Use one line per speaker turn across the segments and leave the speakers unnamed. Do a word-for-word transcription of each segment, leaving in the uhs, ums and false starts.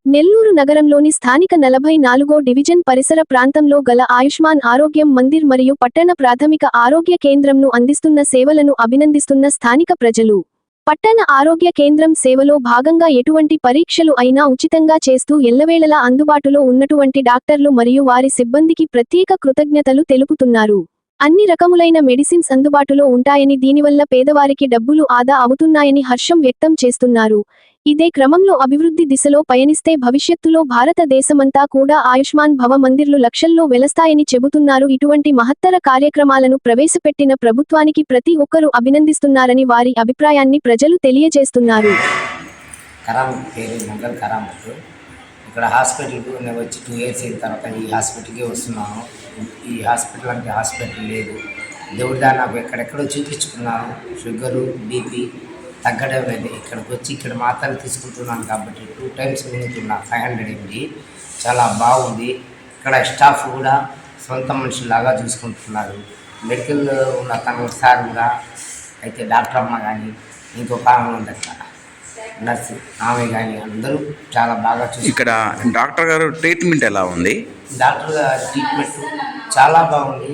నెల్లూరు నగరంలోని స్థానిక నలభై నాలుగో డివిజన్ పరిసర ప్రాంతంలో గల ఆయుష్మాన్ ఆరోగ్యం మందిర్ మరియు పట్టణ ప్రాథమిక ఆరోగ్య కేంద్రంను అందిస్తున్న సేవలను అభినందిస్తున్న స్థానిక ప్రజలు. పట్టణ ఆరోగ్య కేంద్రం సేవలో భాగంగా ఎటువంటి పరీక్షలు అయినా ఉచితంగా చేస్తూ ఎల్లవేళలా అందుబాటులో ఉన్నటువంటి డాక్టర్లు మరియు వారి సిబ్బందికి ప్రత్యేక కృతజ్ఞతలు తెలుపుతున్నారు. అన్ని రకములైన మెడిసిన్స్ అందుబాటులో ఉంటాయని, దీనివల్ల పేదవారికి డబ్బులు ఆదా అవుతున్నాయని హర్షం వ్యక్తం చేస్తున్నారు. ఇదే క్రమంలో అభివృద్ధి దిశలో పయనిస్తే భవిష్యత్తులో భారతదేశమంతా కూడా ఆయుష్మాన్ భవ మందిర్లు లక్షల్లో వెలస్తాయని చెబుతున్నారు. ఇటువంటి మహత్తర కార్యక్రమాలను ప్రవేశపెట్టిన ప్రభుత్వానికి ప్రతి ఒక్కరూ అభినందిస్తున్నారని వారి అభిప్రాయాన్ని ప్రజలు తెలియజేస్తున్నారు.
ఇక్కడ హాస్పిటల్కి నేను వచ్చి టూ ఇయర్స్ అయిన తర్వాత ఈ హాస్పిటల్కి వస్తున్నాను. ఈ హాస్పిటల్ అంటే హాస్పిటల్ లేదు. దేవుడి దాన్ని నాకు ఎక్కడెక్కడో చూపించుకున్నాను. షుగరు బీపీ తగ్గడం లేదు. ఇక్కడికి వచ్చి ఇక్కడ మాత్రలు తీసుకుంటున్నాను కాబట్టి టూ టైమ్స్ మింగుతున్నా. ఫైవ్ హండ్రెడ్ ఎంజీ చాలా బాగుంది. ఇక్కడ స్టాఫ్ కూడా సొంత మనుషులాగా చూసుకుంటున్నారు. మెడికల్ ఉన్న తన సార్ కూడా అయితే డాక్టర్ అమ్మ కానీ ఇంకొక ఆమె ఉంది అక్కడ నర్సు ఆమె కానీ అందరూ చాలా బాగా చూసి.
ఇక్కడ డాక్టర్ గారు ట్రీట్మెంట్ ఎలా ఉంది?
డాక్టర్ గారు ట్రీట్మెంట్ చాలా బాగుంది.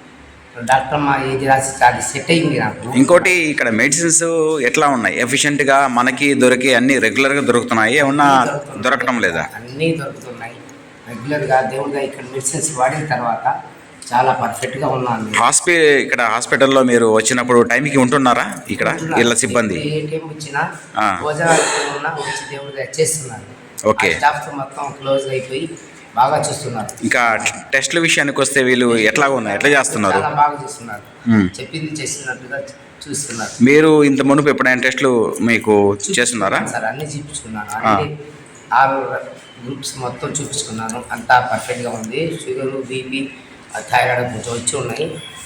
డాక్టర్ అమ్మ ఏది రాసి అది సెట్ అయింది నాకు.
ఇంకోటి ఇక్కడ మెడిసిన్స్ ఎట్లా ఉన్నాయి? ఎఫిషియెంట్గా మనకి దొరికి అన్ని రెగ్యులర్గా దొరుకుతున్నాయి, ఏమన్నా దొరకటం లేదా?
అన్నీ దొరుకుతున్నాయి రెగ్యులర్గా. దేవుడిగా ఇక్కడ మెడిసిన్స్ వాడిన తర్వాత చాలా పర్ఫెక్ట్గా ఉన్నాను.
హాస్పిటల్ ఇక్కడ హాస్పిటల్లో మీరు వచ్చినప్పుడు టైంకి ఉంటున్నారా? ఇక్కడ ఇళ్ళ సిబ్బంది
ఏ టైం వచ్చినా భోజనాలు ఉన్నా వచ్చి దేవుడిగా చేస్తున్నారు.
ఓకే,
స్టాఫ్తో మొత్తం క్లోజ్ అయిపోయి బాగా చూస్తున్నారు.
ఇంకా టెస్ట్ల విషయానికి వస్తే వీళ్ళు ఎట్లా ఉన్నాయి, ఎట్లా చేస్తున్నారు?
చాలా బాగా చూస్తున్నారు. చెప్పింది చేస్తున్నట్టుగా చూస్తున్నారు.
మీరు ఇంత మునుపు ఎప్పుడైనా టెస్టులు మీకు చేస్తున్నారా?
సార్ అన్నీ చూపించుకున్నాను. అన్ని ఆరు గ్రూప్స్ మొత్తం చూపించుకున్నాను. అంతా పర్ఫెక్ట్గా ఉంది. షుగరు బీపీ థైరాయిడ్ కొంచెం వచ్చి ఉన్నాయి.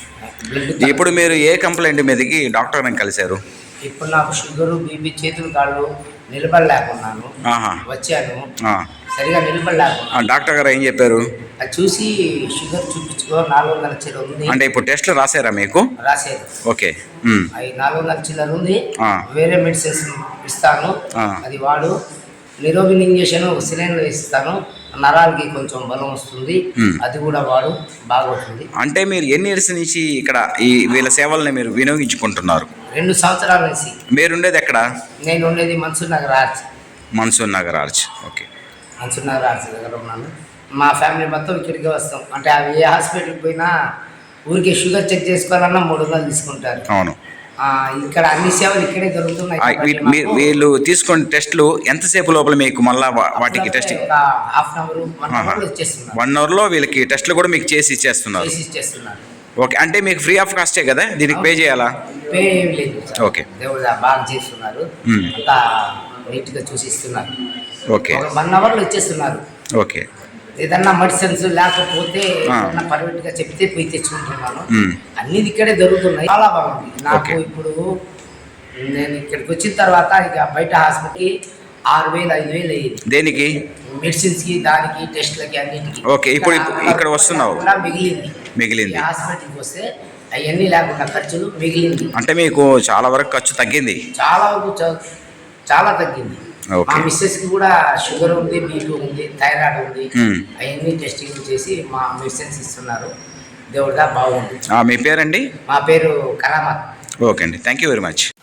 బ్లడ్
ఇప్పుడు మీరు ఏ కంప్లైంట్ మీదకి డాక్టర్ని కలిశారు?
ఇప్పుడు నాకు షుగరు బీపీ చేతులు కాళ్ళు నిలబడలేకున్నాను. వచ్చాను సరిగా నిలబడలేకున్నాను.
డాక్టర్ గారు ఏం చెప్పారు?
అది చూసి షుగర్ చూపించుకో నాలుగు వందల చిల్లర ఉంది
అంటే ఇప్పుడు టెస్ట్లు రాశారా మీకు?
రాశారు.
ఓకే,
అవి నాలుగు వందల చిల్లర ఉంది. వేరే మెడిసిన్స్ ఇస్తాను, అది వాడు. నిరోగిన్ ఇంజక్షన్ సిలిండర్ ఇస్తాను, నరాలకి కొంచెం బలం వస్తుంది, అది కూడా వాడు బాగుంటుంది.
అంటే మీరు ఎన్ని ఇయర్స్ నుంచి ఇక్కడ ఈ వీళ్ళ సేవల్ని మీరు వినియోగించుకుంటున్నారు?
రెండు సంవత్సరాల నుంచి.
మీరు ఉండేది ఎక్కడ?
నేను ఉండేది Mansoor Nagar arch.
Mansoor Nagar arch okay.
Mansoor Nagar arch దగ్గర ఉన్నాను. మా ఫ్యామిలీ మొత్తం ఇక్కడికి వస్తాం. అంటే అవి ఏ హాస్పిటల్కి పోయినా ఊరికి షుగర్ చెక్ చేసుకోవాలన్నా మూడు వందలు తీసుకుంటారు.
అవును,
ఇక్కడ అన్ని సేవలు ఇక్కడే దొరుకుతున్నాయి.
వీళ్ళు తీసుకునే టెస్టులు ఎంతసేపు లోపల మీకు మళ్ళీ వాటికి test?
Half an hour one hour వచ్చేస్తున్నారు.
వన్ అవర్లో వీళ్ళకి టెస్టులు కూడా మీకు చేసి ఇచ్చేస్తున్నారు. ఓకే, అంటే మీకు ఫ్రీ ఆఫ్ కాస్టే కదా, దీనికి పే చేయాలా?
పే ఏం లేదు.
ఓకే,
దేవుడు బాగా చేస్తున్నారు, అంతా నీట్గా చూసి ఇస్తున్నారు.
ఓకే,
వన్ అవర్లో వచ్చేస్తున్నారు.
ఓకే,
ఏదన్నా మెడిసిన్స్ లేకపోతే పర్ఫెక్ట్గా చెప్తే పోయి తెచ్చుకుంటున్నాను. అన్ని ఇక్కడే దొరుకుతున్నాయి. చాలా బాగుంది నాకు. ఇప్పుడు నేను ఇక్కడికి వచ్చిన తర్వాత ఇక బయట హాస్పిటల్కి ఆరు వేలు ఐదు వేలు అయ్యింది.
దేనికి?
మెడిసిన్స్కి, దానికి, టెస్ట్లకి, అన్నిటికి.
ఓకే, ఇప్పుడు ఇక్కడ వస్తున్నావు
మిగిలింది
మిగిలింది
హాస్పిటల్కి వస్తే అవన్నీ లేకుండా ఖర్చులు మిగిలింది.
అంటే మీకు చాలా వరకు ఖర్చు తగ్గింది?
చాలా వరకు చాలా తగ్గింది. మా మిస్సెస్ కి కూడా షుగర్ ఉంది, బీపీ ఉంది, థైరాయిడ్ ఉంది. అవన్నీ టెస్టింగ్ చేసి మా మెడిసిన్స్ ఇస్తున్నారు. దేవుడిగా బాగుంది.
మీ పేరండి?
మా పేరు కరామత్.
ఓకే అండి, థ్యాంక్ యూ వెరీ మచ్.